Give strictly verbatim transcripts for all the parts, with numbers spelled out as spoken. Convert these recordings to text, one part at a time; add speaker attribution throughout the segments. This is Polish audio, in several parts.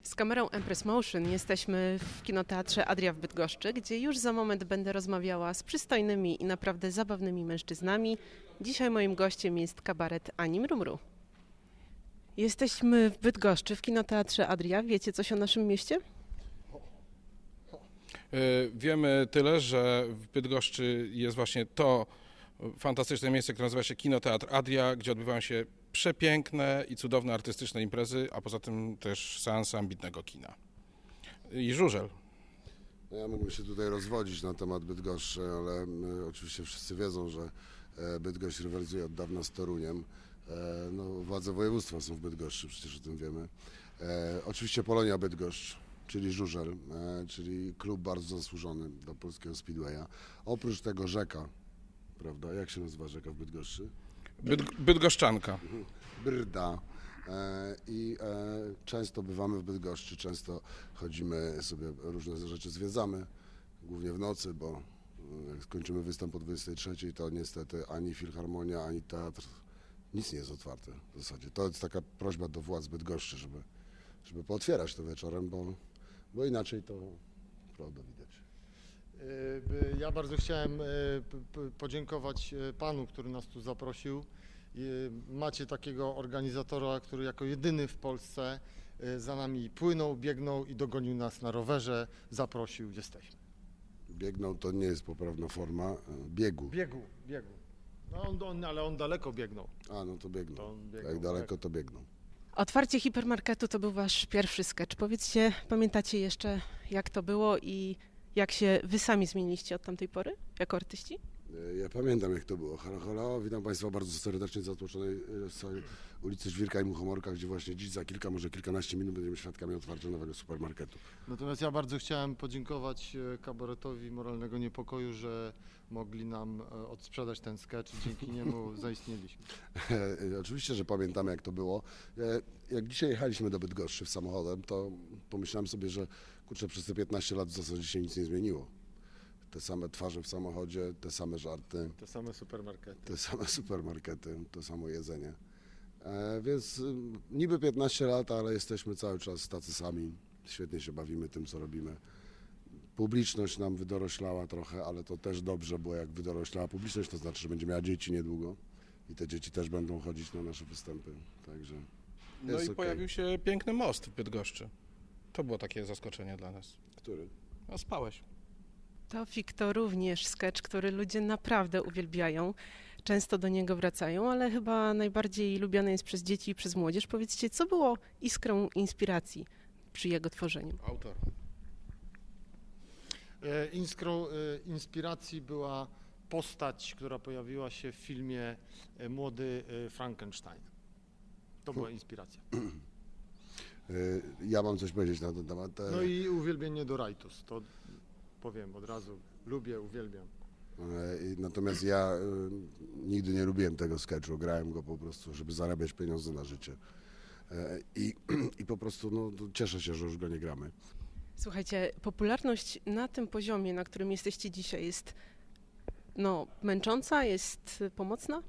Speaker 1: Z kamerą Empress Motion jesteśmy w kinoteatrze Adria w Bydgoszczy, gdzie już za moment będę rozmawiała z przystojnymi i naprawdę zabawnymi mężczyznami. Dzisiaj moim gościem jest kabaret Ani Mrumru. Jesteśmy w Bydgoszczy, w kinoteatrze Adria. Wiecie coś o naszym mieście?
Speaker 2: Wiemy tyle, że w Bydgoszczy jest właśnie to fantastyczne miejsce, które nazywa się Kinoteatr Adria, gdzie odbywają się przepiękne i cudowne artystyczne imprezy, a poza tym też seanse ambitnego kina. I żużel.
Speaker 3: Ja mógłbym się tutaj rozwodzić na temat Bydgoszczy, ale oczywiście wszyscy wiedzą, że Bydgoszcz rywalizuje od dawna z Toruniem. No, władze województwa są w Bydgoszczy, przecież o tym wiemy. Oczywiście Polonia Bydgoszcz, czyli żużel, czyli klub bardzo zasłużony do polskiego speedwaya. Oprócz tego rzeka, prawda? Jak się nazywa rzeka w Bydgoszczy?
Speaker 2: Byd- Bydgoszczanka.
Speaker 3: Brda. E, I e, często bywamy w Bydgoszczy, często chodzimy sobie, różne rzeczy zwiedzamy, głównie w nocy, bo jak skończymy występ o dwudziestej trzeciej, to niestety ani filharmonia, ani teatr, nic nie jest otwarte w zasadzie. To jest taka prośba do władz Bydgoszczy, żeby, żeby pootwierać to wieczorem, bo, bo inaczej to prawda widać.
Speaker 4: Ja bardzo chciałem podziękować panu, który nas tu zaprosił. Macie takiego organizatora, który jako jedyny w Polsce za nami płynął, biegnął i dogonił nas na rowerze, zaprosił, jesteśmy.
Speaker 3: Biegnął to nie jest poprawna forma biegu.
Speaker 4: Biegu, biegu. No on, on, ale on daleko biegnął.
Speaker 3: A, no to biegnął.
Speaker 4: To on biegnął,
Speaker 3: Jak daleko,
Speaker 4: tak.
Speaker 3: to biegnął.
Speaker 1: Otwarcie hipermarketu to był wasz pierwszy sketch. Powiedzcie, pamiętacie jeszcze, jak to było i jak się wy sami zmieniliście od tamtej pory jako artyści?
Speaker 3: Ja pamiętam, jak to było. Halo, halo, witam Państwa bardzo serdecznie z zatłoczonej ulicy Żwirka i Muchomorka, gdzie właśnie dziś za kilka, może kilkanaście minut będziemy świadkami otwarcia nowego supermarketu.
Speaker 4: Natomiast ja bardzo chciałem podziękować kabaretowi Moralnego Niepokoju, że mogli nam odsprzedać ten sketch i dzięki niemu zaistnieliśmy.
Speaker 3: Oczywiście, że pamiętamy, jak to było. Jak dzisiaj jechaliśmy do Bydgoszczy samochodem, to pomyślałem sobie, że kurczę, przez te piętnaście lat w zasadzie się nic nie zmieniło. Te same twarze w samochodzie, te same żarty.
Speaker 4: Te same supermarkety.
Speaker 3: Te same supermarkety, to samo jedzenie. E, więc y, niby piętnaście lat, ale jesteśmy cały czas tacy sami. Świetnie się bawimy tym, co robimy. Publiczność nam wydoroślała trochę, ale to też dobrze, bo jak wydoroślała publiczność, to znaczy, że będzie miała dzieci niedługo. I te dzieci też będą chodzić na nasze występy. Także
Speaker 2: No
Speaker 3: jest
Speaker 2: i
Speaker 3: okay.
Speaker 2: pojawił się piękny most w Bydgoszczy. To było takie zaskoczenie dla nas.
Speaker 3: Który?
Speaker 2: A spałeś.
Speaker 1: Tofik to również sketch, który ludzie naprawdę uwielbiają. Często do niego wracają, ale chyba najbardziej lubiany jest przez dzieci i przez młodzież. Powiedzcie, co było iskrą inspiracji przy jego tworzeniu?
Speaker 2: Autor.
Speaker 4: Iskrą inspiracji była postać, która pojawiła się w filmie Młody Frankenstein. To była inspiracja.
Speaker 3: Ja mam coś powiedzieć na ten temat.
Speaker 4: No i uwielbienie do Rajtus, to powiem od razu. Lubię, uwielbiam.
Speaker 3: Natomiast ja nigdy nie lubiłem tego sketchu, grałem go po prostu, żeby zarabiać pieniądze na życie. I, i po prostu no, cieszę się, że już go nie gramy.
Speaker 1: Słuchajcie, popularność na tym poziomie, na którym jesteście dzisiaj, jest no, męcząca, jest pomocna?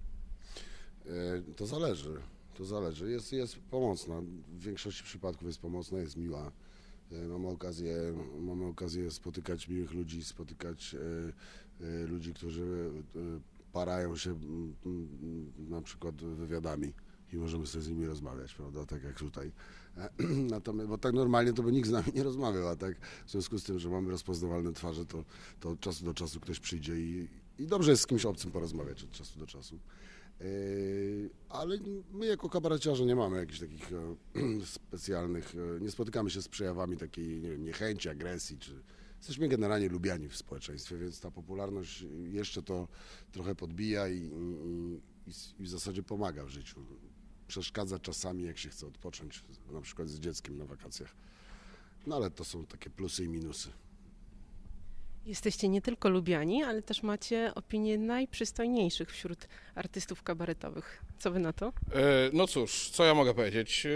Speaker 3: To zależy, to zależy. Jest, jest pomocna, w większości przypadków jest pomocna, jest miła. Mamy okazję, mamy okazję spotykać miłych ludzi, spotykać y, y, ludzi, którzy y, parają się y, y, na przykład wywiadami i możemy sobie z nimi rozmawiać, prawda, tak jak tutaj. Natomiast, bo tak normalnie to by nikt z nami nie rozmawiał, a tak w związku z tym, że mamy rozpoznawalne twarze, to, to od czasu do czasu ktoś przyjdzie i, i dobrze jest z kimś obcym porozmawiać od czasu do czasu. Yy, ale my jako kabareciarze nie mamy jakichś takich e, specjalnych, e, nie spotykamy się z przejawami takiej, nie wiem, niechęci, agresji, czy jesteśmy generalnie lubiani w społeczeństwie, więc ta popularność jeszcze to trochę podbija i, i, i w zasadzie pomaga w życiu. Przeszkadza czasami, jak się chce odpocząć, na przykład z dzieckiem na wakacjach. No ale to są takie plusy i minusy.
Speaker 1: Jesteście nie tylko lubiani, ale też macie opinię najprzystojniejszych wśród artystów kabaretowych. Co wy na to?
Speaker 2: E, no cóż, co ja mogę powiedzieć?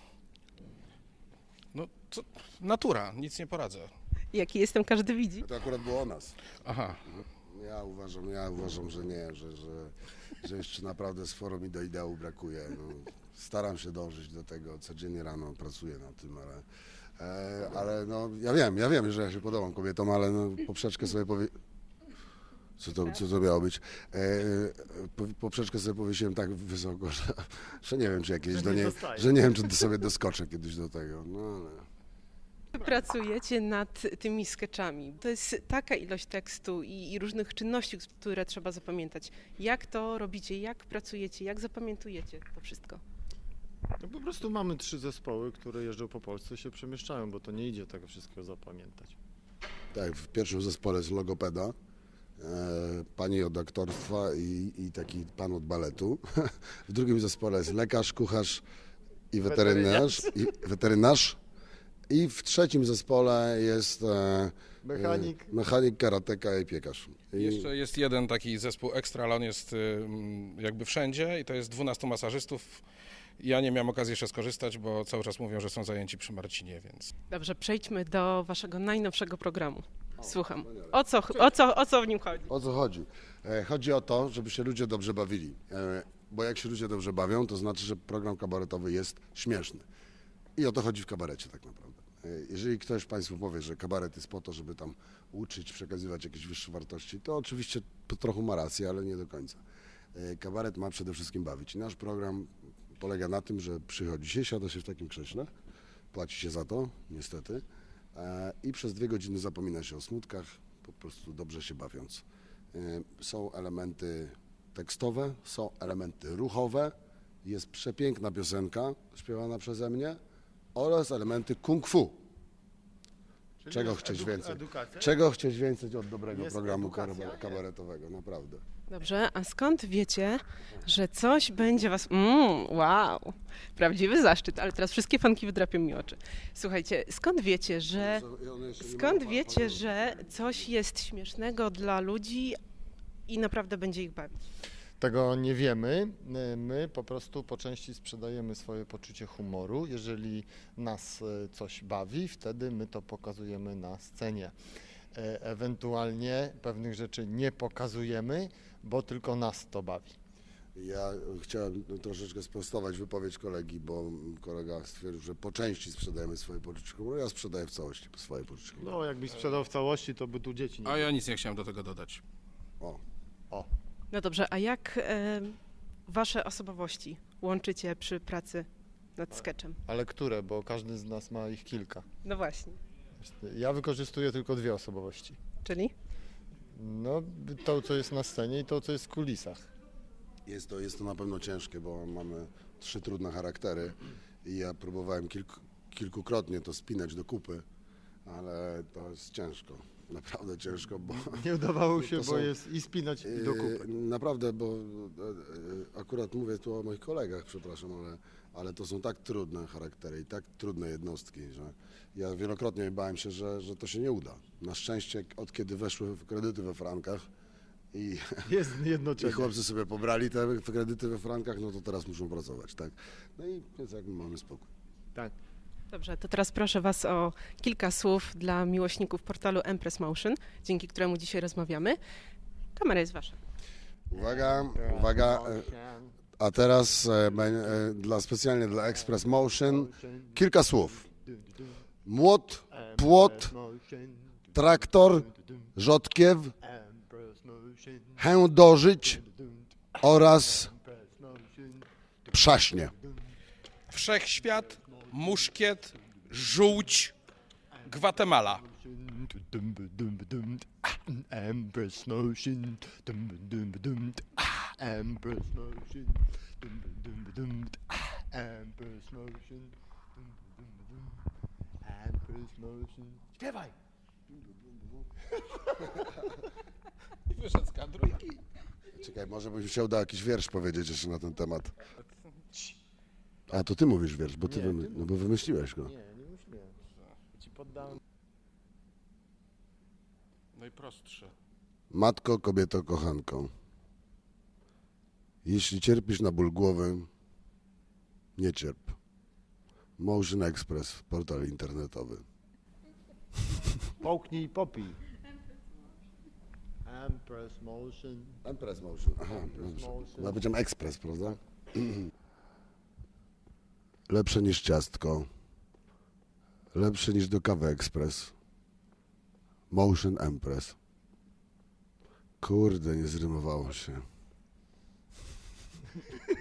Speaker 2: No, co? Natura, nic nie poradzę.
Speaker 1: Jaki jestem, każdy widzi.
Speaker 3: To akurat było o nas.
Speaker 2: Aha.
Speaker 3: Ja uważam, ja uważam, że nie, że, że że jeszcze naprawdę sporo mi do ideału brakuje. No, staram się dążyć do tego, codziennie rano pracuję nad tym, ale, e, ale no, ja wiem, ja wiem, że ja się podobam kobietom, ale no, poprzeczkę sobie powie... Co to, co to miało być? E, po, poprzeczkę sobie powiesiłem tak wysoko, że, że nie wiem, czy jakieś
Speaker 4: Że
Speaker 3: do
Speaker 4: nie
Speaker 3: niej,
Speaker 4: dostaje.
Speaker 3: że nie wiem, czy sobie doskoczę kiedyś do tego. No, ale...
Speaker 1: Pracujecie nad tymi sketchami. To jest taka ilość tekstu i, i różnych czynności, które trzeba zapamiętać. Jak to robicie? Jak pracujecie? Jak zapamiętujecie to wszystko?
Speaker 4: No po prostu mamy trzy zespoły, które jeżdżą po Polsce i się przemieszczają, bo to nie idzie tego wszystkiego zapamiętać.
Speaker 3: Tak, w pierwszym zespole jest logopeda, e, pani od aktorstwa i, i taki pan od baletu. W drugim zespole jest lekarz, kucharz i weterynarz. I, weterynarz. I w trzecim zespole jest e,
Speaker 4: Mechanik.
Speaker 3: e, mechanik, karateka i piekarz. I,
Speaker 2: Jeszcze jest jeden taki zespół ekstra, ale on jest y, jakby wszędzie i to jest dwunastu masażystów. Ja nie miałem okazji jeszcze skorzystać, bo cały czas mówią, że są zajęci przy Marcinie, więc...
Speaker 1: Dobrze, przejdźmy do waszego najnowszego programu. Słucham. O co, o co, o co w nim chodzi?
Speaker 3: O co chodzi? E, chodzi o to, żeby się ludzie dobrze bawili. E, bo jak się ludzie dobrze bawią, to znaczy, że program kabaretowy jest śmieszny. I o to chodzi w kabarecie tak naprawdę. E, jeżeli ktoś Państwu powie, że kabaret jest po to, żeby tam uczyć, przekazywać jakieś wyższe wartości, to oczywiście po trochu ma rację, ale nie do końca. E, kabaret ma przede wszystkim bawić. I nasz program polega na tym, że przychodzi się, siada się w takim krześle, płaci się za to, niestety, e, i przez dwie godziny zapomina się o smutkach, po prostu dobrze się bawiąc. E, są elementy tekstowe, są elementy ruchowe, jest przepiękna piosenka śpiewana przeze mnie oraz elementy kung fu.
Speaker 4: Czyli
Speaker 3: Czego
Speaker 4: jest
Speaker 3: chcieć
Speaker 4: edu-
Speaker 3: więcej?
Speaker 4: Edukacja?
Speaker 3: Czego chcieć więcej od dobrego
Speaker 4: Jest
Speaker 3: programu
Speaker 4: edukacja,
Speaker 3: kar-
Speaker 4: nie?
Speaker 3: kabaretowego, naprawdę.
Speaker 1: Dobrze, a skąd wiecie, że coś będzie was... Mm, wow, prawdziwy zaszczyt, ale teraz wszystkie fanki wydrapią mi oczy. Słuchajcie, skąd wiecie, że... Skąd wiecie, że coś jest śmiesznego dla ludzi i naprawdę będzie ich bawić?
Speaker 4: Tego nie wiemy. My po prostu po części sprzedajemy swoje poczucie humoru. Jeżeli nas e, coś bawi, wtedy my to pokazujemy na scenie. E, Ewentualnie pewnych rzeczy nie pokazujemy, bo tylko nas to bawi.
Speaker 3: Ja chciałem troszeczkę sprostować wypowiedź kolegi, bo kolega stwierdził, że po części sprzedajemy swoje poczucie humoru. Ja sprzedaję w całości swoje poczucie humoru.
Speaker 4: No, jakbyś sprzedał w całości, to by tu dzieci nie
Speaker 2: A ja nic nie chciałem do tego dodać.
Speaker 3: O,
Speaker 4: O,
Speaker 1: No dobrze, a jak e, wasze osobowości łączycie przy pracy nad sketchem?
Speaker 4: ale które? Bo każdy z nas ma ich kilka.
Speaker 1: No właśnie,
Speaker 4: Ja wykorzystuję tylko dwie osobowości.
Speaker 1: czyli?
Speaker 4: No, to, co jest na scenie i to, co jest w kulisach.
Speaker 3: jest to, jest to na pewno ciężkie, bo mamy trzy trudne charaktery i ja próbowałem kilku, kilkukrotnie to spinać do kupy, ale to jest ciężko, naprawdę ciężko, bo...
Speaker 4: Nie udawało
Speaker 3: To
Speaker 4: się, bo
Speaker 3: są-
Speaker 4: jest i spinać i do kupy.
Speaker 3: Yy, Naprawdę, bo e, e, akurat mówię tu o moich kolegach, przepraszam, ale, ale to są tak trudne charaktery i tak trudne jednostki, że ja wielokrotnie bałem się, że, że to się nie uda. Na szczęście od kiedy weszły w kredyty we frankach i,
Speaker 4: Jest
Speaker 3: i
Speaker 4: jednocześnie.
Speaker 3: chłopcy sobie pobrali te kredyty we frankach, no to teraz muszą pracować, tak? No i więc jakby mamy spokój.
Speaker 4: Tak.
Speaker 1: Dobrze, to teraz proszę was o kilka słów dla miłośników portalu Empress Motion, dzięki któremu dzisiaj rozmawiamy. Kamera jest wasza.
Speaker 3: Uwaga, uwaga, e, a teraz e, beń- e, dla, specjalnie dla Express Motion kilka słów. Młot, płot, traktor, rzodkiew, chędożyć oraz przaśnie.
Speaker 2: Wszechświat, muszkiet, żółć, Gwatemala.
Speaker 4: Empress Motion. Empress Motion. Empress Motion. Empress Motion. Śpiewaj!
Speaker 2: I wyszedł z kadru.
Speaker 3: Czekaj, może bym się uda jakiś wiersz powiedzieć jeszcze na ten temat. A to ty mówisz wiersz, bo ty,
Speaker 4: Nie,
Speaker 3: wymy-
Speaker 4: ty
Speaker 3: no bo wymyśliłeś go.
Speaker 4: Nie, nie myślałem. Ci poddałem.
Speaker 2: Najprostsze.
Speaker 3: Matko, kobieto, kochanko, jeśli cierpisz na ból głowy, nie cierp. Motion Express, portal internetowy.
Speaker 4: Połknij i popij. Empress Motion.
Speaker 3: Empress Motion. Aha,
Speaker 4: Empress
Speaker 3: dobrze.
Speaker 4: Motion.
Speaker 3: Ja powiedziałem Express, prawda? Lepsze niż ciastko. Lepsze niż do kawy Express. Motion Empress. Kurde, nie zrymowało się.